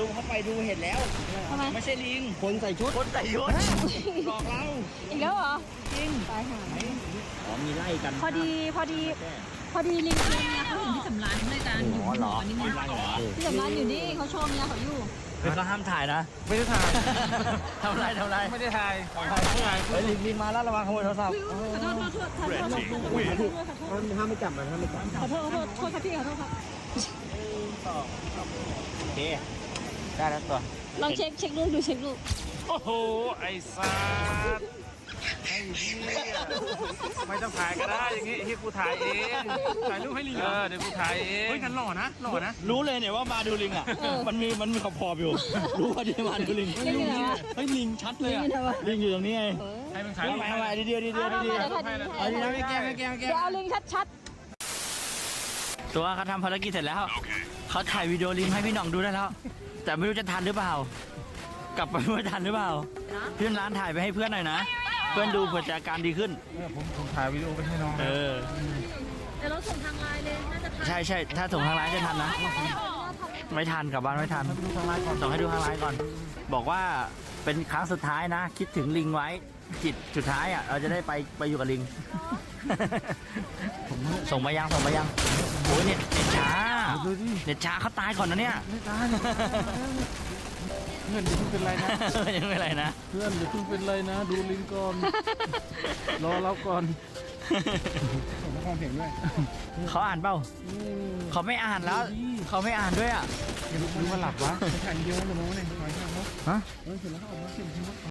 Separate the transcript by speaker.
Speaker 1: ซูมเข้าไปดูเห็นแล้ว
Speaker 2: ทำไม
Speaker 1: ไม่ใช่ลิง
Speaker 3: คนใส่ชุด
Speaker 1: คนใส่ยุทธหลอกเรา
Speaker 2: อีกแล้วเหรอ
Speaker 1: จริง
Speaker 2: ตายหา
Speaker 1: อ๋อมีไล่กัน
Speaker 2: พอดีลิงเมียเขาเห็นพี่สำรานเลยกันอยู่หอนี่ไงพี่สำรานอยู่นี่เขาโชว์เมียเขาอยู่
Speaker 1: เป็นก็ห้ามถ่ายนะ
Speaker 3: ไม่ได้ถ่าย
Speaker 1: ทำไร
Speaker 3: ไม่ได้ถ่าย
Speaker 1: เฮ้ยลิงมาแล้วระวังขโมยโทรศัพท์
Speaker 2: ขอโทษ
Speaker 3: ห้ามไม่จับมันห้ามไม่จับ
Speaker 2: ขอโทษครับพี่ขอโทษครับ
Speaker 1: โอเคได้แล้วตัว
Speaker 2: ลองเช็คลูกดูเช็คลูก
Speaker 3: โอ้โหไอ้สัสไอ้เหี้ยไม่ต้องถ่ายก็ได้อย่างงี้ที่กูถ่ายเองถ่ายรูปให้ลิงเดี๋ยวกูถ่ายเองเฮ้ยกันหล่อนะ
Speaker 1: รู้เลยเนี่ยว่ามาดูลิงอ่ะมันมีขอบอยู่ รู้ว่าที่มาดูลิง
Speaker 2: ลิงอยู่ไหนวะ
Speaker 1: เฮ้ยลิงชัดเลย
Speaker 2: ลิงอยู่ไหนวะ
Speaker 1: ลิงอยู่ตรงนี้ไง
Speaker 3: ให้มึงถ่ายรูป
Speaker 1: ทำไมดีเดียวเอาดีนะไม่แกล้ง
Speaker 2: เดี๋ยวเอาลิงชัด
Speaker 1: ตัวเขาทำภารกิจเสร็จแล้วเขาถ่ายวิดีโอลิงให้พี่หน่องดูได้แล้ว แต่ไม่รู้จะทันหรือเปล่า กลับไปไม่ทันหรือเปล่าเพื่อนร้านถ่ายไปให้เพื่อนหน่อยนะเพื่อนดูเผื่อจะอาการดีขึ้น
Speaker 3: ผมถ่ายวิดีโอไปให้น้อง
Speaker 1: เออ
Speaker 2: ๆเดี๋ยวเราส่งทางไลน์เลยน่าจะทัน
Speaker 1: ใช่ถ้าส่งทางไลน์จะทันนะ ไม่ทันกลับบ้านไม่ทันส่งให้ดูทางไลน์ก่อน บอกว่าเป็นครั้งสุดท้ายนะ คิดถึงลิงไว้จิตสุดท้ายอ่ะเราจะได้ไปอยู่กับลิง ส่งมายังโอ้ยเน็ตช้าเน็ตช้าเขาตายก่อนนะเนี่ย
Speaker 3: ไม่ตายเพื่อนอย่าเพิ่งเป็นไรนะ
Speaker 1: ยังไม่เป็นไรนะ
Speaker 3: เพื่อนอย่าเพิ่งเป็นไรนะ ดูลิงก่อนรอเราก่อนผมฟังเพลงด้วย
Speaker 1: เขาอ่านเปล่าเขาไม่อ่านแล้วเขาไม่อ่านด้วยอ่ะ
Speaker 3: ดูว่าหลับวะถ่ายเยอะเลยมั้งเนี่ยถ่ายเขา
Speaker 1: ฮะ
Speaker 3: เสร็จแล้วเขาออกมาเขียนทิ้ง